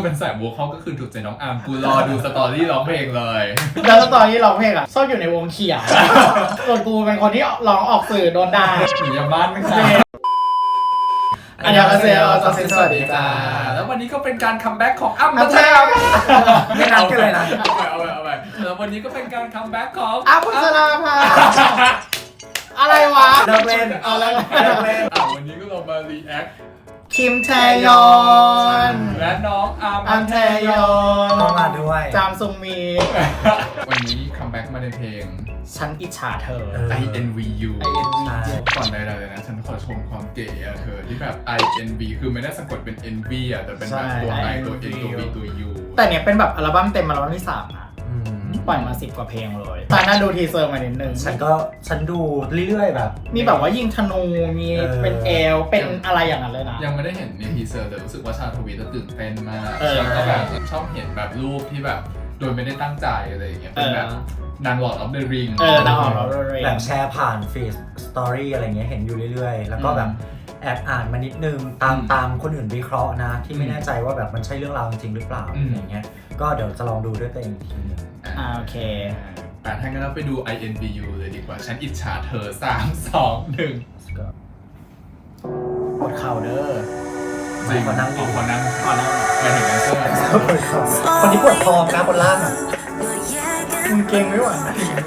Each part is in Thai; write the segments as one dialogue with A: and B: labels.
A: เป็นสายโวคอลก็คือถูกใจน้องอาร์มกูรอดูสตอรี่ร้องเพลงเลย
B: แล้วตอนนี้ร้องเพลงชอบอยู่ในวงเขียวส่วนกูเป็นคนที่ร้องออกสื่อโดนด่า
A: อยู่ยาบ้านไม่ใช่
B: อันยองอาเซโอสวัสดีจ้า
A: แล้ววันนี้ก็เป็นการคัมแบ็กของอ้ำพัชราภา
B: ไม่นัดกันเลยนะ
A: เอาไปแล้ววันนี้ก็เป็นการคัมแบ็กของ
B: อ้ำพัชราภาอะไรวะ
A: เลิกเล่นเอาแล้วเลิกเล่นวันนี้ก็ลงมารีแอค
B: คิมแทยอน
A: และน้องอาร์ม
B: แทยอน
C: ต้องมาด้วย
B: จามซุงมี
A: วันนี้คัมแบ็กมาในเพลง
B: ฉันอิจฉาเธอ
A: INVU ก่อนใดๆเลยนะฉันขอชมความเก๋อะเธอที่แบบ INV คือไม่ได้สะกดเป็น NV อะแต่เป็นแบบตัว I ตัว N ตัว V ตัว U
B: แต่เนี้ยเป็นแบบอัลบั้มเต็มอัลบั้มที่3อะปล่อยมา10 กว่าเพลงเลยตอนนั้นดูทีเซอร์มานิดนึง
C: ฉันดูเรื่อยๆแบบ
B: มีแบบว่ายิงธนูมีเป็นเอลเป็นอะไรอย่างนั้นเลยนะ
A: ยังไม่ได้เห็นในทีเซอร์แต่รู้สึกว่าชาทวีตื่นเต้นมากแล้วก็แบบชอบเห็นแบบรูปที่แบบโดยไม่ได้ตั้งใจอะไรอย่างเงี้ยเป็นแบบนาง Lord of the Ring
B: นาง Lord of the Ring
C: แบบแชร์ผ่านฟีดสตอรี่อะไรเงี้ยเห็นอยู่เรื่อยๆแล้วก็แบบแอบอ่านมานิดนึงตามคนอื่นวิเคราะห์นะที่ไม่แน่ใจว่าแบบมันใช่เรื่องราวจริงหรือเปล่าอย่างเงี้ยก็เดี๋ยวจะลองดูด้วยตัวเองอีกทีนึง
B: โอเค
A: ถ้างั้นเราไปดู INVU เลยดีกว่าฉันอิจฉาเธอ3 2 1
B: ปวดเข่าเด้อ
A: จริงขอนั่งไปถึงแดนเซอร์
C: คนนี้ปวดคอนะคนล่างอ่ะ
B: มึงเก่งไม่ไหว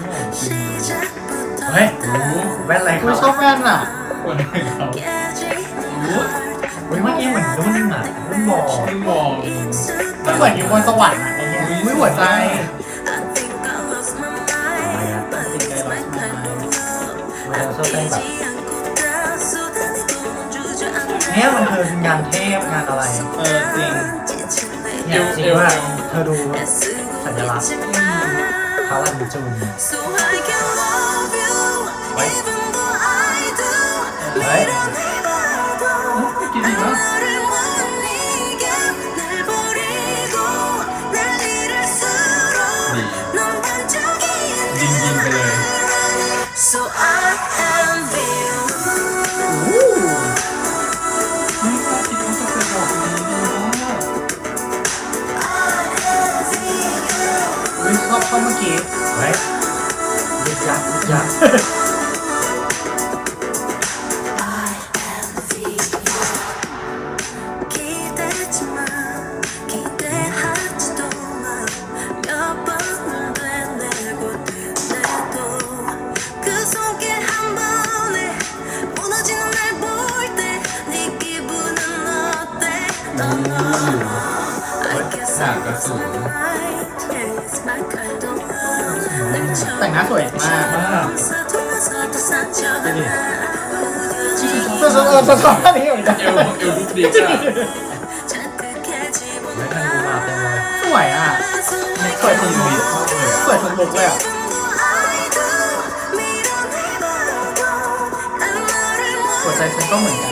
C: เฮ้ยแว่นอะไร
B: กูชอบแว่นอ่ะ
A: ปวดให้เขา
C: เมื่อกี้เหมือนนุ่นอ่ะนุ่นบอก
B: ก็เหมือนอยู่บนสวรรค์อะไรเงี้ยไม่หัวใจ
C: เนี่ยมันคืองานเทพงานอะไร
B: จริง
C: เนี่ยจริงว่าเธอดูสัญลักษณ์พาลันจูนเฮ้ย
A: กินดีมั้ยดียิงไปเลย
B: ชอบเมื่อกี้
C: เฮ้ยยึกยัก
A: ฉากกระสุน
B: แต่งหน้าสวยมากชอบท่านี้เหมือนกัน
A: เอวลุกดีจ้ะ
B: สวยอ่ะสวยทุกลุกเลยอ่ะหัวใจฉันก็เหมือนกัน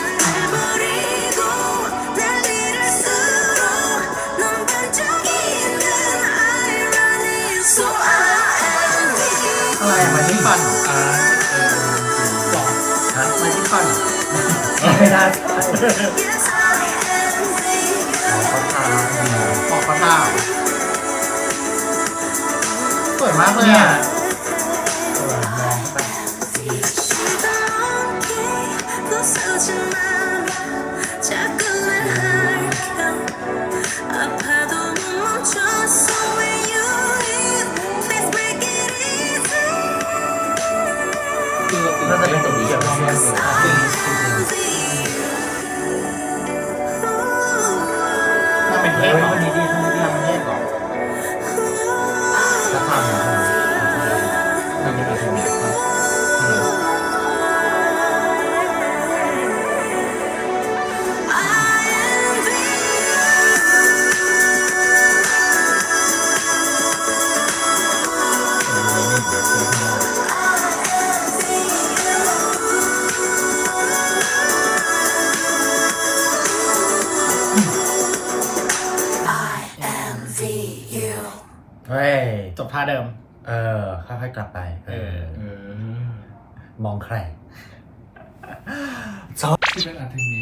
B: อะไรมาที่ฟันบอกมาที่ฟัน
C: ไม่ได้
B: บอกเขาท่าสวยมากเลยอ่ะ
C: น่าจะเป็นตัวเกี่ยวกับเรื่อง
B: มันเป็นเทปมันดีๆมันเทปก่อน
C: จะทำ
A: มันเป็นอะไรเนี่ย
C: เฮ้ย
B: จบท่าเดิม
C: ค่อยๆกลับไป
A: ม
C: องใคร
A: ชื่อเป็นอาร์เทมิส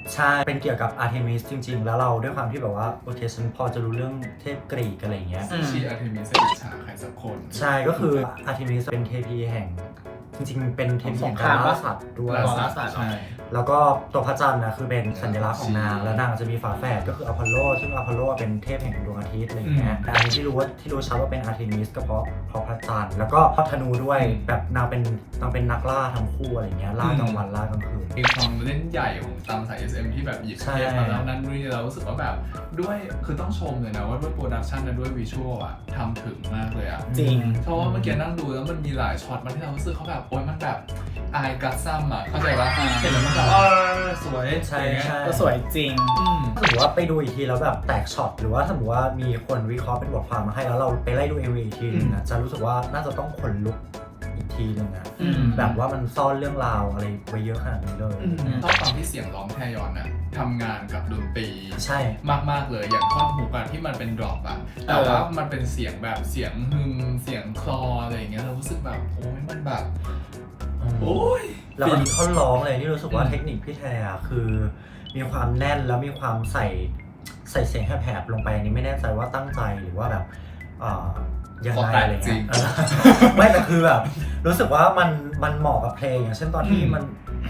C: ใช่เป็นเกี่ยวกับอาร์เทมิสจริงๆแล้วเราด้วยความที่แบบว่าโอเคฉันพอจะรู้เรื่องเทพกรีกอะไรอย่างเงี้ย
A: ชีอาร์เทมิสอิจฉาใครสักคน
C: ใช่ก็คืออาร์เทมิสเป็นเทพีแห่งจริงๆเป็นเทพีแห่งการล่าสัตว์ด้วย
B: ล่าสัตว์
A: ใช่
C: แล้วก็ตัวพระจันทร์นะคือเป็นสัญลักษณ์ของนางแล้วนางจะมีฝาแฝดก็คืออพอลโลซึ่งอพอลโลเป็นเทพแห่งดวงอาทิตย์อะไรอย่างเงี้ยแต่อันนี้ที่รู้ชัดว่าเป็นอาร์เทมิสก็เพราะพระจันทร์แล้วก็ธนูด้วยแบบนางเป็นนักล่าทั้งคู่อะไรเงี้ยล่ากลางวันล่ากลางคืน
A: มีความเล่นใหญ่ของตามสาย SM ที่แบบหยิบ
C: ใช่
A: เทปมาแล้วนั่นนี่เรารู้สึกว่าแบบด้วยคือต้องชมเลยนะว่าด้วยโปรดักชันและด้วยวิชวลอะทำถึงมากเลยอะ
B: จริง
A: เพราะว่าเมื่อกี้นั่งดูแล้วมันมีหลายช็อตมาที่เรารู้สึกเขาแบบโอ๊ยมันแบบอายกัสซัมอะเข้าใจปะเห็นแล้วมันแบบสวย
C: ใช่ใช่
B: ก็สวยจริง
C: ถ้าสมมติว่าไปดูอีกทีแล้วแบบแตกช็อตหรือว่าสมมติว่ามีคนวิเคราะห์เป็นบทความมาให้แล้วเราไปไล่ดู MV อีกทีนึงอะจะรู้สึกว่าน่าจะต้องขนลุกอีกทีนึงอะ
B: อืม
C: แบบว่ามันซ่อนเรื่องราวอะไรไว้เยอะขนาดนี้เลย
A: ชอบความที่เสียงร้องแทยอนอะทำงานกับดนตรี
C: ใช่
A: มากๆเลยอย่างท่อนฮุกอะที่มันเป็นดรอปอะแต่ว่ามันเป็นเสียงแบบเสียงฮึมเสียงคลออะไรอย่างเงี้ยเรารู้สึกแบบโอ้ยมันแบบโอ้ย
C: แล้วก็มีท่อนร้องเลยที่รู้สึกว่าเทคนิคพี่แทอะคือมีความแน่นแล้วมีความใส่เสียงแหบๆลงไปอันนี้ไม่แน่ใจว่าตั้งใจหรือว่าแบบยังไงอะไรเงี้ยไม่แต่คือแบบรู้สึกว่ามันเหมาะกับเพลงอย่างเช่นตอนที่มัน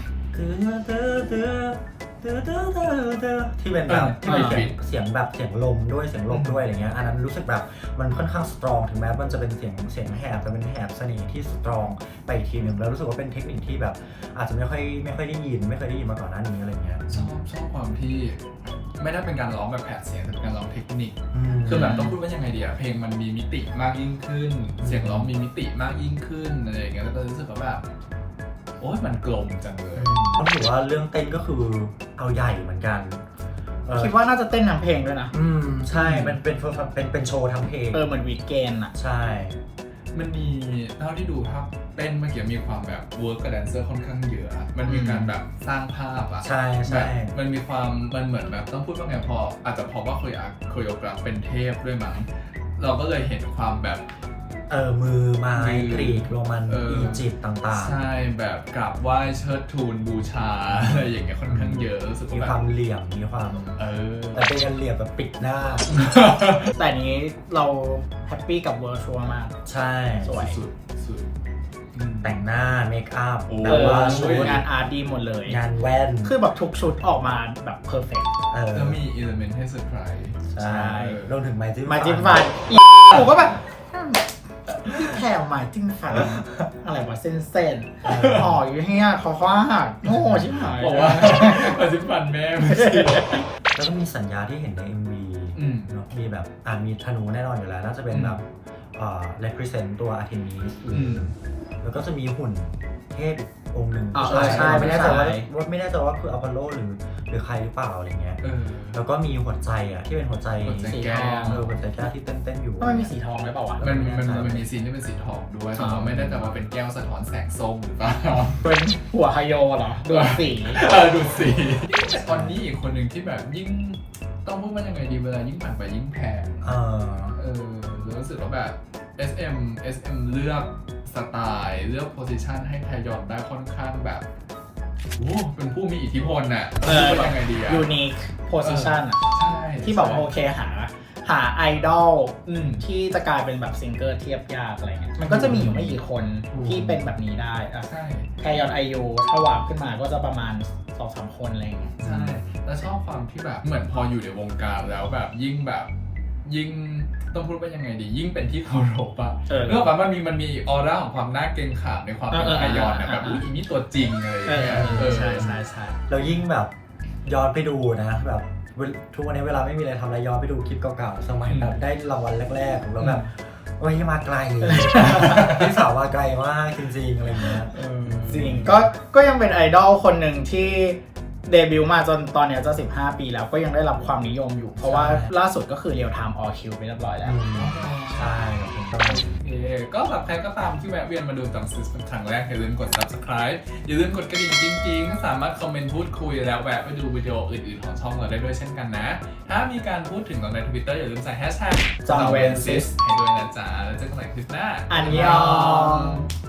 C: ที่เป็นแบบที่เป็นเสียงแบบเสียงลมด้วยเสียงลมด้วยอะไรเงี้ยอันนั้นรู้สึกแบบมันค่อนข้างสตรองถึงแม้มันจะเป็นเสียงแหบแต่เป็นแหบเสน่ห์ที่สตรองไปอีกทีหนึ่งแล้วรู้สึกว่าเป็นเทคนิคที่แบบอาจจะไม่ค่อยได้ยินไม่เคยได้ยินมาก่อนหน้านี้อะไรเงี้ย
A: ชอบความที่ไม่ได้เป็นการร้องแบบแผดเสียงแต่เป็นการร้องเทคนิคคือแบบต้องพูดว่ายังไงดีอะเพลงมันมีมิติมากยิ่งขึ้น เสียงร้องมีมิติมากยิ่งขึ้นอะไรอย่างเงี้ยแล้วก็รู้สึกว่าแบบโอ๊ยมันกลมจังเลย
C: ต้องถือว่าเรื่องเต้นก็คือเอาใหญ่เหมือนกัน
B: คิดว่าน่าจะเต้นทั้งเพลงด้วยนะ
C: ใช่มันเป็นโชว์ทั้งเพลง
B: เหมือนวีคเกนอะ
C: ใช่
A: มันมีเท่าที่ดูภาพเต้นเมื่อกี้มีความแบบเวิร์กกับแดนเซอร์ค่อนข้างเยอะอะมันมีการแบบสร้างภาพอะ
C: ใช่
A: แบบมันมีความมันเหมือนแบบต้องพูดว่าไงพออาจจะเพราะว่าโคโรกราฟเป็นเทพด้วยมั้งเราก็เลยเห็นความแบบ
C: มือไม้กรีกโรมันอียิปต์ต่างๆ
A: ใช่แบบกราบไหว้เชิดทูลบูชาอะไรอย่างเงี้ยค่อนข้างเยอะรู้สึก
C: มี
A: ว่า
C: ค
A: แบ
C: วา
A: บ
C: มเหลี่ยมมีความแต่เป็นการเหลี่ยมแบบปิดหน้า
B: แต่อันนี้เราแฮปปี้กับเวอร์ชวลมาก
C: ใช่
B: สวย
A: สุด
C: แต่งหน้าเมคอัพ
A: โอ้
C: แบบว่าชุด
B: งานอาร์ตดีหมดเลย
C: งานแว่น
B: คือแบบทุกชุดออกมาแบบเพอร์เฟกต์
A: แล้วมีอิเลเมนต์ให้เซอร์ไพรส์
C: ใช่รวมถึงไม้จิ้ม
B: มาจิ้มฟันหนูก็แบบพี่แถวมาจิ้มฟันอะไรวะเส้นห่ออยู่ที่นี่คอหักโง่ชิบหาย
A: บอกว่ามาจิ้มฟันแม่ไม่ใช่
C: แล้วก็มีสัญญาที่เห็นใน MV เนอะมีแบบมีธนูแน่นอนอยู่แล้วน่าจะเป็นแบบrepresent ตัวอาร์เทมิสแล้วก็จะมีหุ่นเทพอีกองค์หนึ่งใช่ไม่แน่ใจว่าคืออพอลโลหรือใครหรือเปล่าอะไรเงี้ยแล้วก็มีหัวใจที่เป็นหัวใจ
B: สีทอง
C: หัวใจแก้วที่เต้นอยู่
B: ทำไมมีสีทองได้เปล่าวะ
A: มันมีซีนที่เป็นสีทองด้วยแต่ว่าไม่ได้แต่ว่าเป็นแก้วสะท้อนแสงส้มหรือเปล่า
B: เป็นหัวไฮโยเหรอดูสี
A: ดูสีแต่ตอนนี้อีกคนหนึ่งที่แบบยิ่งต้องพูดว่ายังไงดีเวลายิ่งผ่านไปยิ่งแพงรู้สึกว่าแบบ SM เลือกสไตล์เลือกโพสิชันให้ไทยอนได้ค่อนข้างแบบโอ้เป็นผู้มีอิทธิพลน่ะพูดว่ายังไงดีอะ
B: unique position อะ
A: ใช่
B: ที่บอกว่าโอเคหาไอดอลที่จะกลายเป็นแบบซิงเกิลเทียบยากอะไรเงี้ยมันก็จะมีอยู่ไม่กี่คนที่เป็นแบบนี้ได้อะ
A: ใช่
B: แคยอนไอยูถ้าวาร์ปขึ้นมาก็จะประมาณ 2-3 คนอะไรเงี้ย
A: ใช่แล้วชอบความที่แบบเหมือนพออยู่ในวงการแล้วแบบยิ่งต้องพูดว่ายังไงดียิ่งเป็นที่เคารพอะเรื่องแบบมันมีออร่าของความน่าเกรงขามในความเป็นไทยอนนะแบบอีนี่ตัวจริงเลย
B: ใช่
C: แล้วยิ่งแบบย้อนไปดูนะแบบทุกวันนี้เวลาไม่มีอะไรทำอะไรย้อนไปดูคลิปเก่าๆสมัยแบบได้รางวัลแรกๆแล้วแบบโอ้ยมาไกลพี่สาวมาไกลมากจริงๆอะไรเงี้ย
B: จริงก็ยังเป็นไอดอลคนหนึ่งที่เดบิวต์มาจนตอนนี้จะ15 ปีแล้วก็ยังได้รับความนิยมอยู่เพราะว่าล่าสุดก็คือ Real Time All Kill ไปเรียบร้อยแล้ว
C: ใช่
A: ก็สำหรับใครก็ตามที่แวะเวียนมาดูตังซิสเป็นครั้งแรกอย่าลืมกด subscribe อย่าลืมกดกระดิ่งจริงๆก็สามารถคอมเมนต์พูดคุยแล้วแวะไปดูวิดีโออื่นๆของช่องเราได้ด้วยเช่นกันนะถ้ามีการพูดถึงเราใน Twitter อย่าลืมใส่ hashtag
B: จองเวนซิส
A: ให้ด้วยนะจ๊ะแล้วเจอกันใหม่คลิปหน้า
B: อันยอง